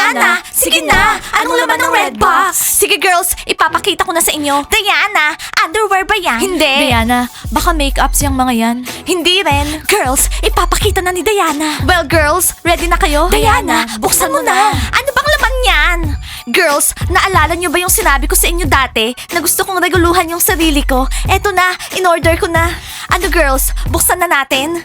Diana, sige na. Anong laman ng red box? Sige girls, ipapakita ko na sa inyo. Diana, underwear ba yan? Hindi. Diana, baka make-ups yung mga yan. Hindi rin. Girls, ipapakita na ni Diana. Well, girls, ready na kayo? Diana, buksan mo na. Ano bang laman yan? Girls, naalala niyo ba yung sinabi ko sa inyo dati na gusto kong reguluhan yung sarili ko? Eto na, in-order ko na. Ano girls, buksan na natin?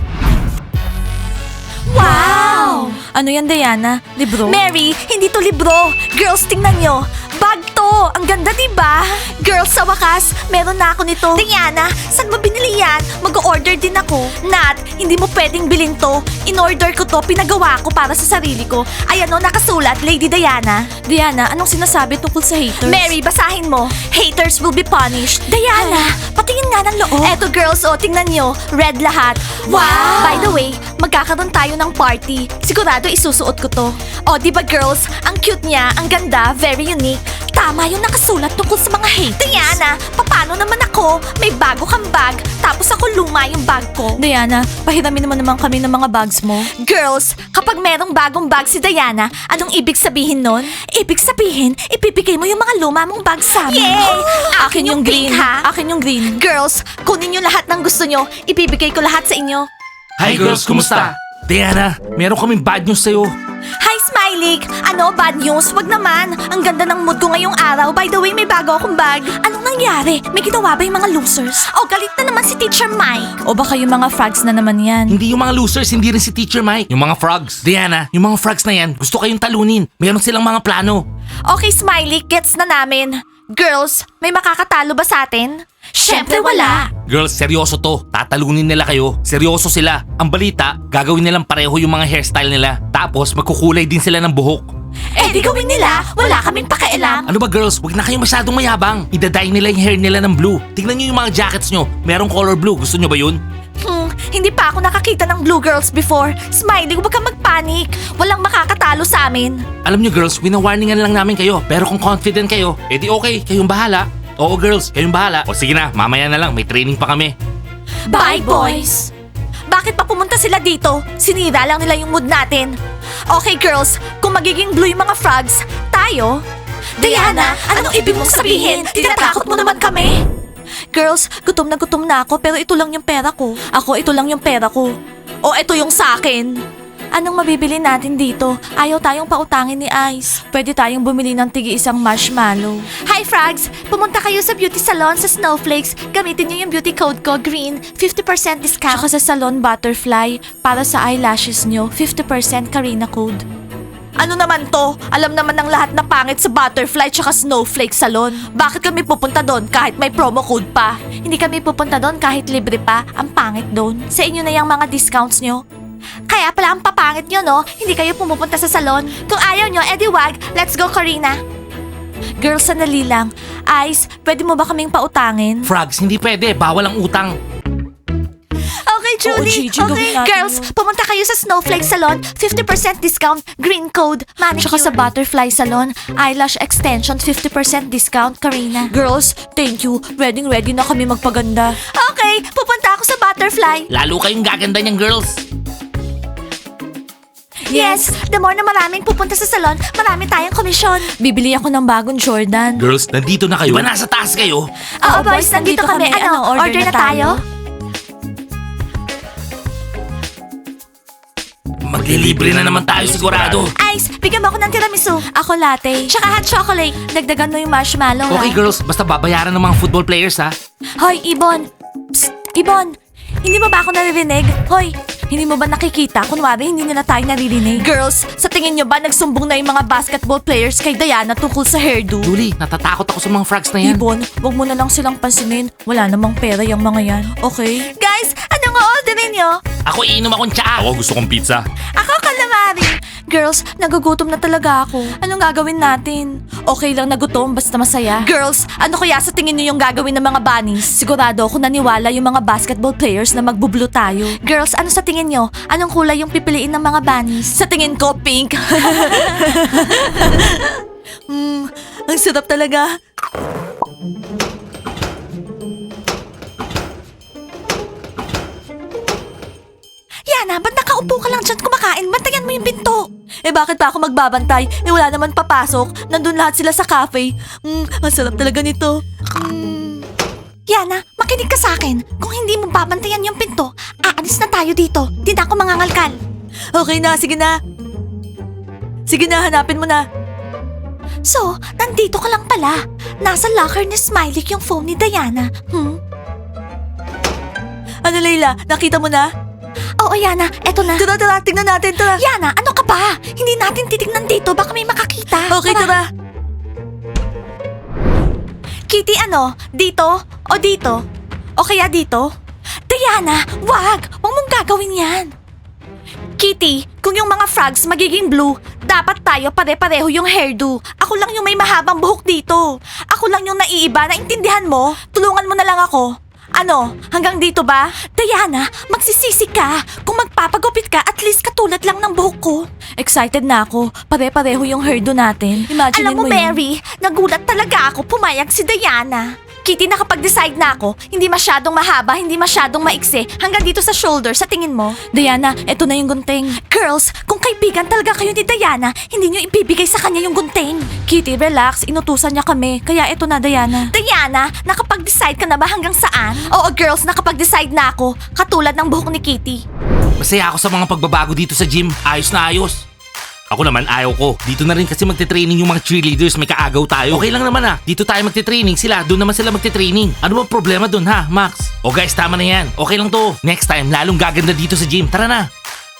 Wow! Ano yan, Diana? Libro? Mary, hindi to libro. Girls, tingnan nyo. Bag to. Ang ganda, diba? Girls, sa wakas, meron na ako nito. Diana, saan mo binili yan? Mag-order din ako. Nat, hindi mo pwedeng bilhin to. In-order ko to, pinagawa ko para sa sarili ko. Ayan o, nakasulat, Lady Diana. Diana, anong sinasabi tungkol sa haters? Mary, basahin mo. Haters will be punished. Diana, patingin nga ng loob. Eto girls, oh, tingnan nyo. Red lahat. Wow! By the way, magkakaroon tayo ng party. Sigurado isusuot ko to. Oh, di ba girls? Ang cute niya, ang ganda, very unique. Tama yung nakasulat tungkol sa mga haters. Diana, paano naman ako? May bago kang bag, tapos ako luma yung bag ko. Diana, pahiramin naman kami ng mga bags mo. Girls, kapag merong bagong bag si Diana, anong ibig sabihin nun? Ibig sabihin, ipipigay mo yung mga luma mong bag sa amin. Yay! Akin yung green, ha? Akin yung green. Girls, kunin nyo lahat ng gusto nyo. Ibibigay ko lahat sa inyo. Hi girls, kumusta? Diana, meron kaming bad news sa'yo. Hi, Smiley! Ano, bad news? Wag naman. Ang ganda ng mood ko ngayong araw. By the way, may bago akong bag. Anong nangyari? May ginawa ba yung mga losers? Oh, galit na naman si Teacher Mike. O baka yung mga frogs na naman yan. Hindi yung mga losers, hindi rin si Teacher Mike. Yung mga frogs. Diana, yung mga frogs na yan, gusto kayong talunin. Meron silang mga plano. Okay, Smiley, gets na namin. Girls, may makakatalo ba sa atin? Siyempre wala. Girls, seryoso to. Tatalunin nila kayo. Seryoso sila. Ang balita, gagawin nilang pareho yung mga hairstyle nila. Tapos magkukulay din sila ng buhok. Eh di gawin nila, wala kaming pakialam. Ano ba girls, wag na kayong masyadong mayabang. Idadye nila yung hair nila ng blue. Tingnan nyo yung mga jackets nyo. Merong color blue. Gusto nyo ba yun? Hindi pa ako nakakita ng blue girls before. Smiley, huwag kang magpanik. Walang makakatalo sa amin. Alam nyo girls, winawarningan lang namin kayo. Pero kung confident kayo, edi okay, kayong bahala. Oo girls, kayong bahala. O sige na, mamaya na lang, may training pa kami. Bye, boys! Bakit pa pumunta sila dito? Sinira lang nila yung mood natin. Okay, girls, kung magiging blue yung mga frogs, tayo? Diana, anong ibig mong sabihin? Tinatakot mo naman kami? Girls, gutom na ako pero ito lang yung pera ko. Ako, ito lang yung pera ko. O, ito yung sa akin. Anong mabibili natin dito? Ayaw tayong pautangin ni Ice. Pwede tayong bumili ng tigi-isang marshmallow. Hi, Frogs! Pumunta kayo sa beauty salon sa Snowflakes. Gamitin niyo yung beauty code ko, GREEN. 50% discount. Tsaka sa salon Butterfly, para sa eyelashes nyo, 50% Karina code. Ano naman to? Alam naman ng lahat na pangit sa Butterfly tsaka Snowflake Salon. Bakit kami pupunta doon kahit may promo code pa? Hindi kami pupunta doon kahit libre pa. Ang pangit doon. Sa inyo na yung mga discounts nyo. Kaya pala ang papangit nyo, no? Hindi kayo pumupunta sa salon. Kung ayaw nyo, edi wag. Let's go, Karina. Girls, sandali lang. Ice, pwede mo ba kaming pautangin? Frogs, hindi pwede, bawal ang utang. Okay, Julie. Gigi, gawin Okay, natin girls, yun. pumunta kayo sa Snowflake Salon. 50% discount, green code, manicure. Tsaka sa Butterfly Salon, eyelash extension, 50% discount, Karina. Girls, thank you. Ready na kami magpaganda. Okay, pupunta ako sa Butterfly. Lalo kayong gaganda niyang girls. Yes, the more na maraming pupunta sa salon, marami tayong komisyon. Bibili ako ng bagong Jordan. Girls, nandito na kayo. Di ba nasa taas kayo? Oo, boys, nandito kami. Ano, order na tayo? Maglilibre na naman tayo sigurado. Ice, bigyan mo ako ng tiramisu. Ako latte. Tsaka hot chocolate. Dagdagan mo yung marshmallow, Okay ha? girls, basta babayaran ng mga football players ha. Hoy, Ibon! Psst! Ibon! Hindi mo ba ako naririnig? Hoy! Hindi mo ba nakikita? Kunwari, hindi nila tayo naririnig. Girls, sa tingin nyo ba nagsumbong na yung mga basketball players kay Diana tungkol sa hairdo? Julie, natatakot ako sa mga frogs na yan. Ibon, wag mo na lang silang pansinin. Wala namang pera yung mga yan. Okay? Guys, anong orderin nyo? Ako iinom akong tsaa. Ako gusto kong pizza. Ako calamari. Girls, nagugutom na talaga ako. Anong gagawin natin? Okay lang nagutom, basta masaya. Girls, ano kaya sa tingin nyo yung gagawin ng mga bunnies? Sigurado ako naniwala yung mga basketball players na magbublo tayo. Girls, ano sa tingin nyo? Anong kulay yung pipiliin ng mga bunnies? Sa tingin ko, pink. Ang sarap talaga. Yana, ba't nakaupo ka lang dyan kumakain? Bantayan mo yung pinto. bakit pa ako magbabantay? Wala naman papasok. Nandun lahat sila sa cafe. Ang sarap talaga nito. Yana, makinig ka sa akin. Kung hindi mo babantayan yung pinto, aalis na tayo dito. Di na ako mangangalkal. Okay na, sige na. Sige na, hanapin mo na. So, nandito ka lang pala. Nasa locker ni Smiley yung phone ni Diana. Ano, Layla? Nakita mo na? Oo, Yana, eto na. Tara, tingnan natin, tara. Yana, ano ka ba? Hindi natin titignan dito. Baka may makakita. Okay, tara. Kitty, ano? Dito? O dito? O kaya dito? Diana, wag! Huwag mong gagawin yan. Kitty, kung yung mga frogs magiging blue, dapat tayo pare-pareho yung hairdo. Ako lang yung may mahabang buhok dito. Ako lang yung naiiba, naintindihan mo? Tulungan mo na lang ako. Ano? Hanggang dito ba? Diana, magsisisi ka. Kung magpapagupit ka, at least katulad lang ng buhok ko. Excited na ako. Pare-pareho yung hairdo natin. Imagine Alam mo, mo yun. Mary, nagulat talaga ako pumayag si Diana. Kitty, nakapag-decide na ako. Hindi masyadong mahaba, hindi masyadong maiksi. Hanggang dito sa shoulder, sa tingin mo? Diana, eto na yung gunting. Girls, kung kaibigan talaga kayo ni Diana, hindi niyo ibibigay sa kanya yung gunting. Kitty, relax. Inutusan niya kami. Kaya eto na, Diana. Diana, nakapag-decide ka na ba hanggang saan? Oo, girls, nakapag-decide na ako. Katulad ng buhok ni Kitty. Masaya ako sa mga pagbabago dito sa gym. Ayos na ayos. Ako naman, ayaw ko. Dito na rin kasi magte-training yung mga cheerleaders. May kaagaw tayo. Okay lang naman Dito tayo magte-training. Doon naman sila magte-training. Ano ba problema doon ha, Max? O guys, tama na yan. Okay lang to. Next time, lalong gaganda dito sa gym. Tara na.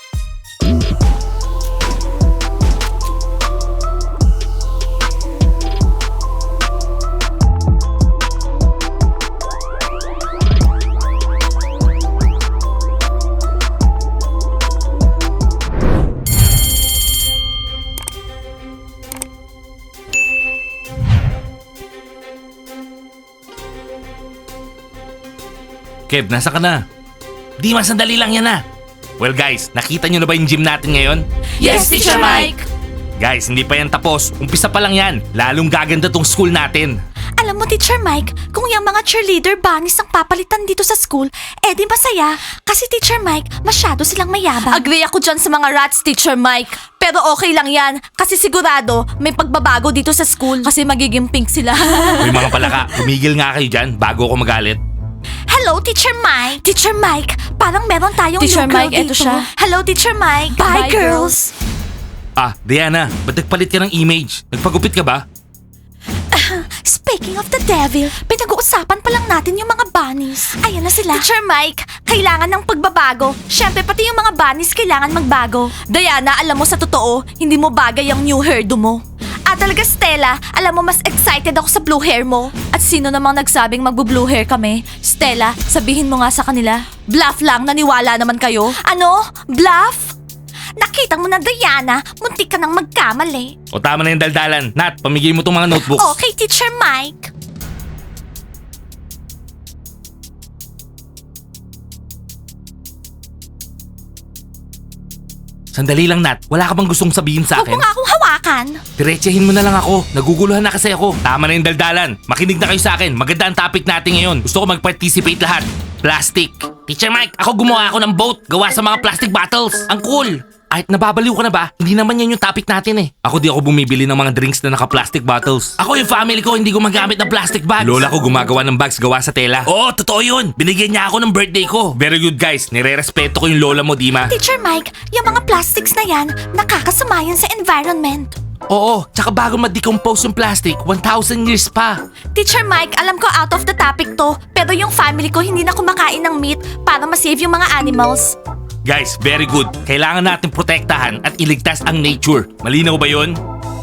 Kev, nasa ka na? Di man, sandali lang yan Well guys, nakita nyo na ba yung gym natin ngayon? Yes, Teacher Mike! Guys, hindi pa yan tapos. Umpisa pa lang yan. Lalong gaganda tong school natin. Alam mo, Teacher Mike, kung yung mga cheerleader bunnies ang papalitan dito sa school, di masaya. Kasi, Teacher Mike, masyado silang mayabang. Agree ako dyan sa mga rats, Teacher Mike. Pero okay lang yan. Kasi sigurado, may pagbabago dito sa school. Kasi magiging pink sila. Uy mga palaka, tumigil nga kayo dyan bago ako magalit. Hello, Teacher Mike. Teacher Mike, parang meron tayong Teacher new girl Mike, eto dito. siya. Hello, Teacher Mike. Bye, Bye, girls. Diana, ba't nagpalit ka ng image? Nagpagupit ka ba? Speaking of the devil, pinag-uusapan pa lang natin yung mga bunnies. Ayan na sila. Teacher Mike, kailangan ng pagbabago. Siyempre, pati yung mga bunnies kailangan magbago. Diana, alam mo sa totoo, hindi mo bagay ang new hairdo mo. Talaga, Stella, alam mo mas excited ako sa blue hair mo. At sino namang nagsabing magbo-blue hair kami? Stella, sabihin mo nga sa kanila. Bluff lang, naniwala naman kayo. Ano? Bluff? Nakita mo na, Diana, muntik ka nang magkamali. O tama na yung daldalan. Nat, pamigay mo tong mga notebooks. Okay, Teacher Mike. Sandali lang, Nat. Wala ka bang gustong sabihin sa Huwag akin? mo nga akong hawakan. Diretsahin mo na lang ako. Naguguluhan na kasi ako. Tama na yung daldalan. Makinig na kayo sa akin. Maganda ang topic natin ngayon. Gusto ko mag-participate lahat. Plastic. Teacher Mike, ako gumawa ako ng boat. Gawa sa mga plastic bottles. Ang cool. Kahit nababaliw ka na ba, hindi naman yan yung topic natin Ako di ako bumibili ng mga drinks na naka-plastic bottles. Ako yung family ko hindi gumagamit ng plastic bags. Lola ko gumagawa ng bags gawa sa tela. Oo, totoo yun. Binigyan niya ako ng birthday ko. Very good guys. Nire-respeto ko yung lola mo, Dima. Teacher Mike, yung mga plastics na yan, nakakasama yan sa environment. Oo, tsaka bago ma-decompose yung plastic, 1,000 years pa. Teacher Mike, alam ko out of the topic to, pero yung family ko hindi na kumakain ng meat para ma-save yung mga animals. Guys, very good. Kailangan natin protektahan at iligtas ang nature. Malinaw ba yun?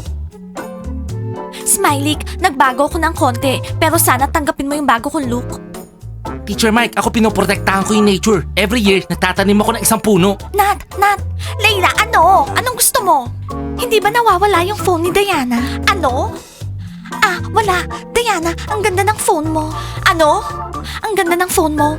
Smiley, nagbago ko ng konti, pero sana tanggapin mo yung bago kong look. Teacher Mike, ako pinoprotektahan ko yung nature. Every year, nagtatanim ako ng isang puno. Nat, Layla, ano? Anong gusto mo? Hindi ba nawawala yung phone ni Diana? Ano? Wala. Diana, ang ganda ng phone mo. Ano? Ang ganda ng phone mo.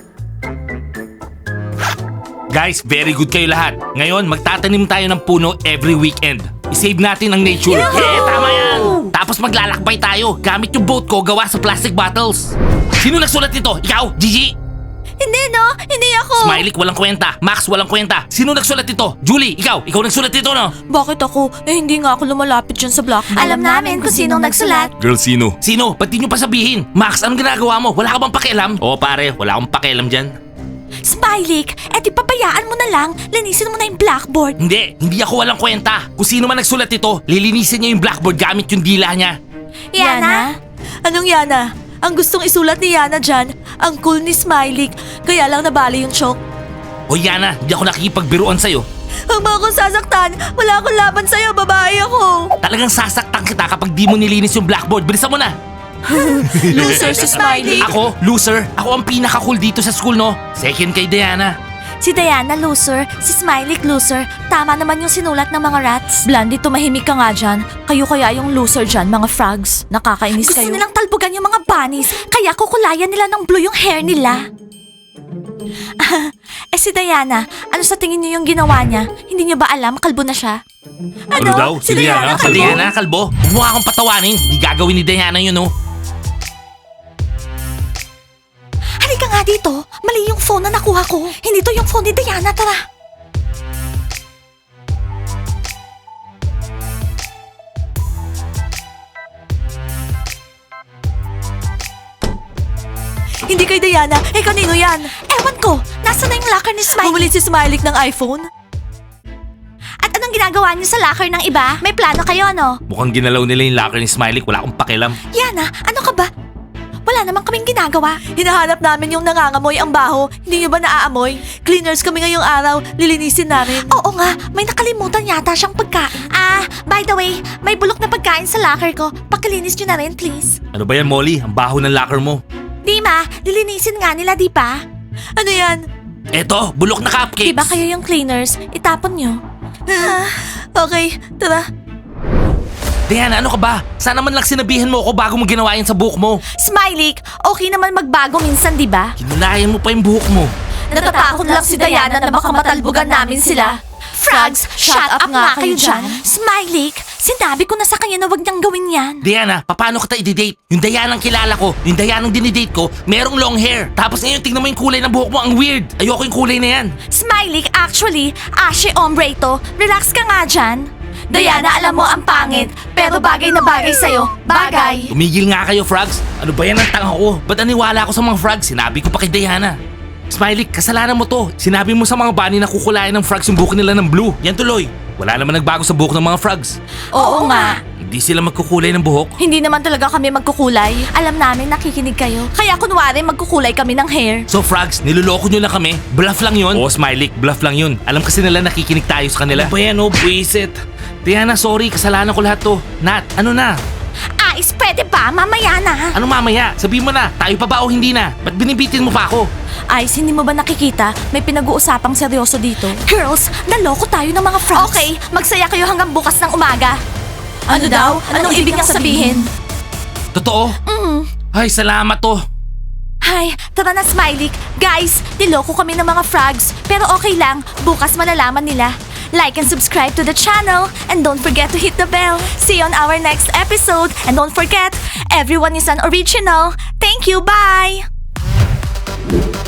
Guys, very good kayo lahat. Ngayon, magtatanim tayo ng puno every weekend. I-save natin ang nature. Yeah, tama yan! Tapos maglalakbay tayo gamit yung boat ko gawa sa plastic bottles. Sino nagsulat nito? Ikaw, Gigi? Hindi no, hindi ako. Smiley, walang kwenta. Max, walang kwenta. Sino nagsulat ito? Julie, ikaw nagsulat ito, no? Bakit ako? Hindi nga ako lumalapit dyan sa blackboard. Alam namin kung sinong nagsulat. Girl, sino? Sino? Ba't di nyo pa sabihin? Max, anong ginagawa mo? Wala ka bang pakialam? Oo pare, wala akong pakialam dyan. Smiley, di pabayaan mo na lang. Linisin mo na yung blackboard. Hindi ako walang kwenta. Kung sino man nagsulat ito, lilinisin niya yung blackboard gamit yung dila niya. Yana? Anong Yana? Ang gustong isulat ni Yana dyan, ang cool ni Smiley, kaya lang nabali yung chalk. O Yana, hindi ako nakikipagbiruan sa'yo. Huwag mo akong sasaktan, wala akong laban sa'yo, babae ako. Talagang sasaktan kita kapag di mo nilinis yung blackboard. Bilisan mo na. Loser si Smiley. Ako, loser. Ako ang pinaka-cool dito sa school, no? Second kay Diana. Si Diana loser, si Smiley loser. Tama naman yung sinulat ng mga rats. Blandy, tumahimik ka nga dyan. Kayo kaya yung loser dyan, mga frogs. Nakakainis Gusto kayo. nilang talbugan yung mga bunnies, kaya kukulayan nila ng blue yung hair nila. Si Diana, ano sa tingin niyo yung ginawa niya? Hindi niyo ba alam, kalbo na siya? Ano? Si Diana? Si Diana, kalbo? Huwag mo akong patawanin. Di gagawin ni Diana yun, no? Halika nga dito, mali yung phone na nakuha ko. Hindi to yung phone ni Diana, tara. Hindi kay Diana, kanino yan? Ewan ko, nasa na yung locker ni Smiley? Bumili si Smiley ng iPhone? At anong ginagawa niyo sa locker ng iba? May plano kayo, no? Mukhang ginalaw nila yung locker ni Smiley. Wala akong pakialam. Yana, ano ka ba? Wala naman kaming ginagawa. Hinahanap namin yung nangangamoy ang baho. Hindi niyo ba naaamoy? Cleaners kami ngayong araw, lilinisin namin. Oo nga, may nakalimutan yata siyang pagkain. By the way, may bulok na pagkain sa locker ko. Pakilinis niyo na rin, please. Ano ba yan, Molly? Ang baho ng locker mo. Dima, lilinisin nga nila, di ba? Ano yan? Eto, bulok na cupcakes. Diba kayo yung cleaners? Itapon nyo. Okay, tara. Diana, ano ka ba? Sana man lang sinabihan mo ako bago mo ginawa yan sa buhok mo. Smiley, okay naman magbago minsan, di ba? Kinulayan mo pa yung buhok mo. Natatakot lang si Diana na baka matalbugan namin sila. Frogs, shut up nga kayo dyan. Smiley, sinabi ko na sa kanya na wag niyang gawin yan. Diana, paano kita i-date? Yung Diana ang kilala ko, yung Diana ang dinidate ko, merong long hair. Tapos ngayon, tingnan mo yung kulay ng buhok mo, ang weird. Ayoko yung kulay na yan. Smiley, actually, ashe ombre ito. Relax ka nga dyan. Diana, alam mo ang pangit, pero bagay na bagay sa'yo. Bagay. Tumigil nga kayo, Frogs. Ano ba yan ang tanga ko? Ba't aniwala ako sa mga Frogs? Sinabi ko pa kay Diana. Smiley, kasalanan mo to. Sinabi mo sa mga bunny na kukulayan ng Frogs yung buhok nila ng blue. Yan tuloy. Wala naman nagbago sa buhok ng mga Frogs. Oo nga. Hindi sila magkukulay ng buhok. Hindi naman talaga kami magkukulay. Alam namin nakikinig kayo. Kaya kunwari magkukulay kami ng hair. So Frogs, niloloko nyo lang kami? Bluff lang yun? Oo, Smiley, bluff lang yun. Alam kasi nila nakikinig tayo sa kanila. Ano ba yan, oh, buwisit. Diana, sorry, kasalanan ko lahat to. Nat, ano na? Ice, pwede ba? Mamaya na. Ano mamaya? Sabihin mo na, tayo pa ba o hindi na? Ba't binibitin mo pa ako? Ice, hindi mo ba nakikita? May pinag-uusapang seryoso dito. Girls, naloko tayo ng mga frogs. Okay, magsaya kayo hanggang bukas ng umaga. Ano daw? Anong ibig niyang sabihin? Totoo? Ay, salamat to. Hay, tara na Smiley. Guys, niloko kami ng mga frogs. Pero okay lang, bukas malalaman nila. Like and subscribe to the channel. And don't forget to hit the bell. See you on our next episode. And don't forget, everyone is an original. Thank you, bye!